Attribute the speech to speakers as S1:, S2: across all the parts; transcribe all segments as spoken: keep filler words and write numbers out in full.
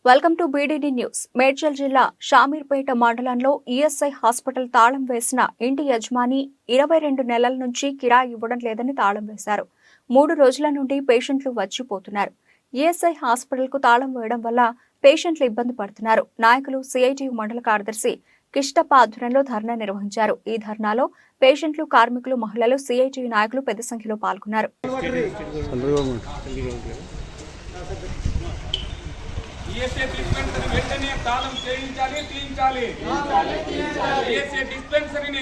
S1: Welcome to BDD news. Medchal జిల్లా షామీర్పేట మండలంలో ESI hospital తాళం వేసిన ఇంటి యజమాని ఇరవై రెండు నెలల నుంచి కిరాయి ఇవ్వడం లేదని తాళం వేశారు. మూడు రోజుల నుండి పేషెంట్లు వచ్చిపోతున్నారు. ఈఎస్ఐ హాస్పిటల్ కు తాళం వేయడం వల్ల పేషెంట్లు ఇబ్బంది పడుతున్నారు. నాయకులు సిఐటియు మండల కార్యదర్శి కిష్టప్ప ఆధ్వర్యంలో ధర్నా నిర్వహించారు. ఈ ధర్నాలో పేషెంట్లు, కార్మికులు, మహిళలు, సిఐటియు నాయకులు పెద్ద సంఖ్యలో పాల్గొన్నారు.
S2: ఈఎస్ఐ డిస్పెన్సరీ వెంటనే తాళం చేయించాలి, తీయించాలి. ఈఎస్ఐ డిస్పెన్సరీని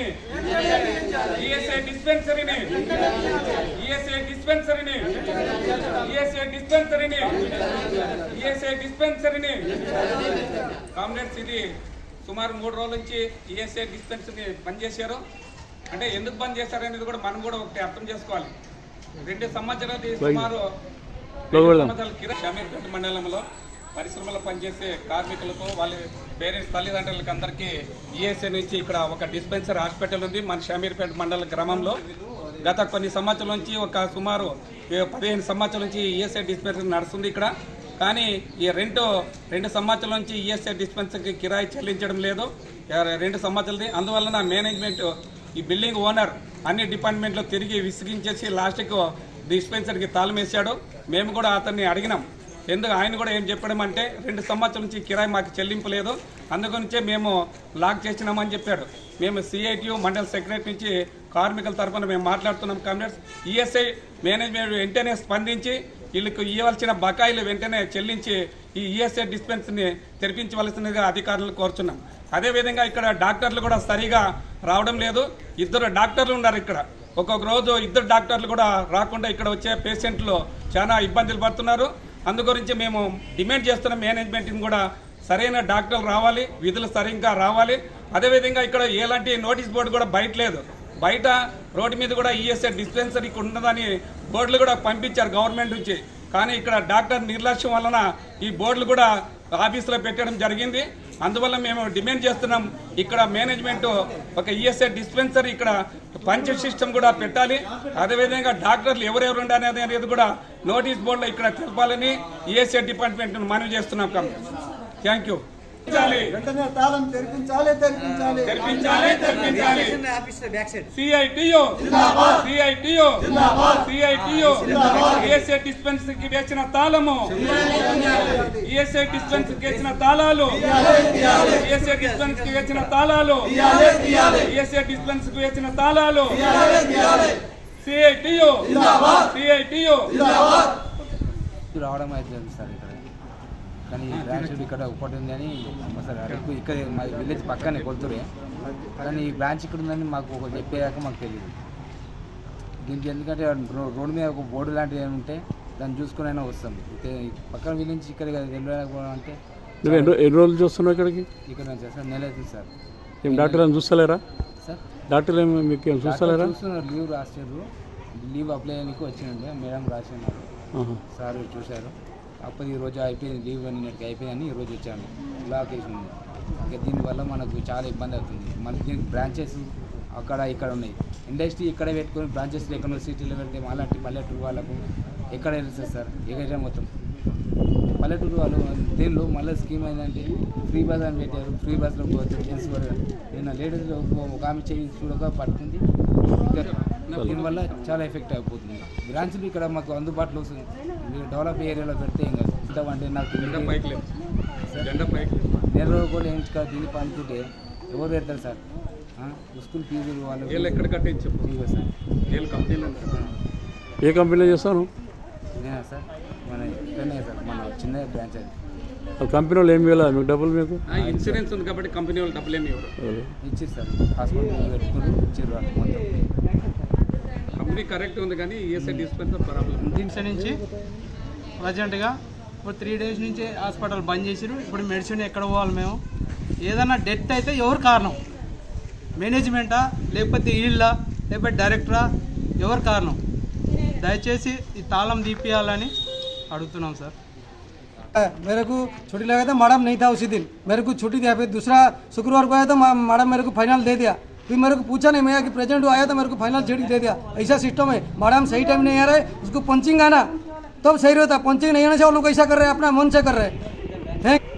S2: ఈఎస్ఐ డిస్పెన్సరీని ఈఎస్ఐ డిస్పెన్సరీని ఈఎస్ఐ డిస్పెన్సరీని ఈఎస్ఐ డిస్పెన్సరీని కామ్రేడ్స్, ఇది సుమారు మూడు రోజుల నుంచి ఈఎస్ఐ డిస్పెన్సరీని బంద్ చేశారు. అంటే ఎందుకు బంద్ చేశారు అనేది కూడా మనం కూడా ఒకటి అర్థం చేసుకోవాలి. రెండు సంవత్సరాలు సుమారు షామీర్పేట మండలంలో పరిశ్రమలో పనిచేసే కార్మికులకు, వాళ్ళ పేరెంట్స్, తల్లిదండ్రులకి అందరికీ ఈఎస్ఐ నుంచి ఇక్కడ ఒక డిస్పెన్సరీ హాస్పిటల్ ఉంది మన షామీర్పేట మండల గ్రామంలో. గత కొన్ని సంవత్సరాల నుంచి ఒక సుమారు పదిహేను సంవత్సరాల నుంచి ఈఎస్ఐ డిస్పెన్సరీ నడుస్తుంది ఇక్కడ. కానీ ఈ రెండు రెండు సంవత్సరాల నుంచి ఈఎస్ఐ డిస్పెన్సరీకి కిరాయి చెల్లించడం లేదు, రెండు సంవత్సరాలది. అందువలన మేనేజ్మెంట్, ఈ బిల్డింగ్ ఓనర్ అన్ని డిపార్ట్మెంట్లో తిరిగి విసిగించేసి లాస్ట్కు డిస్పెన్సరీకి తాళం వేశాడు. మేము కూడా అతన్ని అడిగినాం. ఎందుకు ఆయన కూడా ఏం చెప్పడం అంటే రెండు సంవత్సరాల నుంచి కిరాయి మాకు చెల్లింపు లేదు, అందుగురించే మేము లాక్ చేసినామని చెప్పాడు. మేము సిఐటియు మండల సెక్రటరీ నుంచి కార్మికుల తరఫున మేము మాట్లాడుతున్నాం. కామ్రేడ్స్, ఈఎస్ఐ మేనేజ్మెంట్ వెంటనే స్పందించి వీళ్ళకు ఇవ్వాల్సిన బకాయిలు వెంటనే చెల్లించి ఈ ఈఎస్ఐ డిస్పెన్సరీని తెరిపించవలసిందిగా అధికారులను కోరుచున్నాం. అదేవిధంగా ఇక్కడ డాక్టర్లు కూడా సరిగా రావడం లేదు. ఇద్దరు డాక్టర్లు ఉన్నారు ఇక్కడ. ఒక్కొక్క రోజు ఇద్దరు డాక్టర్లు కూడా రాకుండా ఇక్కడ వచ్చే పేషెంట్లు చాలా ఇబ్బందులు పడుతున్నారు. అందుగురించి మేము డిమాండ్ చేస్తున్న మేనేజ్మెంట్ని కూడా సరైన డాక్టర్లు రావాలి, విధులు సరిగ్గా రావాలి. అదేవిధంగా ఇక్కడ ఎలాంటి నోటీస్ బోర్డు కూడా బయట లేదు. బయట రోడ్డు మీద కూడా ఈఎస్ఐ డిస్పెన్సరీకి ఉన్నదని బోర్డులు కూడా పంపించారు గవర్నమెంట్ నుంచి. కానీ ఇక్కడ డాక్టర్ నిర్లక్ష్యం వలన ఈ బోర్డులు కూడా ఆఫీసులో పెట్టడం జరిగింది. అందువల్ల మేము డిమాండ్ చేస్తున్నాం, ఇక్కడ మేనేజ్మెంట్ ఒక ఈఎస్ఐ డిస్పెన్సరీ ఇక్కడ పంచ్ సిస్టమ్ కూడా పెట్టాలి. అదేవిధంగా డాక్టర్లు ఎవరెవరు ఉండాలి అనేది కూడా నోటీస్ బోర్డులో ఇక్కడ తెలపాలని ఈఎస్ఐ డిపార్ట్మెంట్ మనవి చేస్తున్నాం. Thank you. CITU CITU CITU ESI డిస్పెన్సరీకి వేసిన తాళము, ఈఎస్ఐ డిస్పెన్సరీకి వేసిన తాళాలు, ఈఎస్ఐ డిస్పెన్సరీకి వేసిన తాళాలు, ఈఎస్ఐ డిస్పెన్సరీకి వేసిన తాళాలు. సిఐటియు సిఐటియు
S3: రావడం అయితే సార్ ఇక్కడ, కానీ బ్రాంచ్ ఇక్కడ ఒకటి ఉందని సార్ అరకు ఇక్కడ మా విలేజ్ పక్కనే కొడుతురే, కానీ ఈ బ్రాంచ్ ఇక్కడ ఉందని మాకు ఒక చెప్పేదాకా మాకు తెలియదు. దీనికి ఎందుకంటే రోడ్డు మీద ఒక బోర్డు లాంటివి ఏమి ఉంటే దాన్ని చూసుకుని అయినా వస్తాం. పక్కన విలేజ్ ఇక్కడ వెళ్ళకపోవడం అంటే
S4: ఎన్ని రోజులు చూస్తున్నావు ఇక్కడికి?
S3: ఇక్కడ నుంచి సార్ నెల అవుతుంది సార్.
S4: ఏం డాక్టర్ ఏమి చూస్తలేరా
S3: సార్?
S4: డాక్టర్లు ఏమి మీకు ఏం చూస్తలేరా?
S3: చూస్తున్నారు, లీవ్ రాసారు. లీవ్ అప్లై చేయడానికి వచ్చిండే మేడం రాసినారు, సార్ చూశారు. అప్పుడు ఈరోజు అయిపోయింది, లీవ్ నిన్నటికి అయిపోయిందని ఈరోజు వచ్చాను. లాక్ వేసింది. ఇంకా దీనివల్ల మనకు చాలా ఇబ్బంది అవుతుంది. మళ్ళీ దీనికి బ్రాంచెస్ అక్కడ ఇక్కడ ఉన్నాయి. ఇండస్ట్రీ ఇక్కడ పెట్టుకొని బ్రాంచెస్ ఎక్కడో సిటీలో పెడితే అలాంటి పల్లెటూరు వాళ్ళకు ఎక్కడ వెళ్తుంది సార్? ఎక్కడ మొత్తం పల్లెటూరు వాళ్ళు దీనిలో మళ్ళీ స్కీమ్ ఏంటంటే ఫ్రీ బస్ అని పెట్టారు. ఫ్రీ బస్లో పోతే జెంట్స్ కూడా నిన్న లేడీస్లో ఒక ఆమె చేయి చూడక పట్టుకుంది. దీనివల్ల చాలా ఎఫెక్ట్ అయిపోతుంది. బ్రాంచ్లు ఇక్కడ మాకు అందుబాటులో వస్తుంది. డెవలప్ ఏరియాలో పెడితే ఇంకా అంటే నాకు నెల రోజులు కూడా ఏం దీన్ని పంచుకుంటే ఎవరు పెడతారు సార్? స్కూల్ ఫీజులు వాళ్ళు
S2: ఎక్కడ కట్టించు
S3: సార్.
S4: ఏ కంపెనీలో చేస్తాను
S3: నేనా సార్? మన ఇక్కడనే సార్, మన చిన్న బ్రాంచ్ అది.
S4: కంపెనీ వాళ్ళు ఏమి ఇవ్వాలి మీకు డబ్బులు? మీకు
S2: ఇన్సూరెన్స్ ఉంది కాబట్టి కంపెనీ వాళ్ళు డబ్బులు ఏమి ఇవ్వరు.
S3: ఇచ్చారు సార్, హాస్పిటల్ పెట్టుకుని ఇచ్చారు వాళ్ళు మొత్తం.
S2: కంపెనీ కరెక్ట్ ఉంది కానీ ఈఎస్ఐ డిస్పెన్సర్ ప్రాబ్లం.
S5: దీని నుంచి ప్రజెంట్గా ఇప్పుడు త్రీ డేస్ నుంచి హాస్పిటల్ బంద్ చేసారు. ఇప్పుడు మెడిసిన్ ఎక్కడ పోవాలి మేము? ఏదైనా డెత్ అయితే ఎవరు కారణం? మేనేజ్మెంటా లేకపోతే వీళ్ళా లేకపోతే డైరెక్టరా? ఎవరు కారణం? దయచేసి ఈ తాళం తీపియాలని అడుగుతున్నాం సార్.
S6: मेरे को छुट्टी लगा था, मैडम नहीं था उसी दिन, मेरे को छुट्टी दिया। फिर दूसरा शुक्रवार को आया तो मैडम मेरे को फाइनल दे दिया। फिर मेरे को पूछा नहीं, मैं कि प्रेजेंट आया तो मेरे को फाइनल छुट्टी दे दिया। ऐसा सिस्टम है। मैडम सही टाइम नहीं आ रहा है, उसको पंचिंग आना तब तो सही रहता। पंचिंग नहीं आने से वो लोग ऐसा कर रहे हैं, अपना मन से कर रहे हैं। थैंक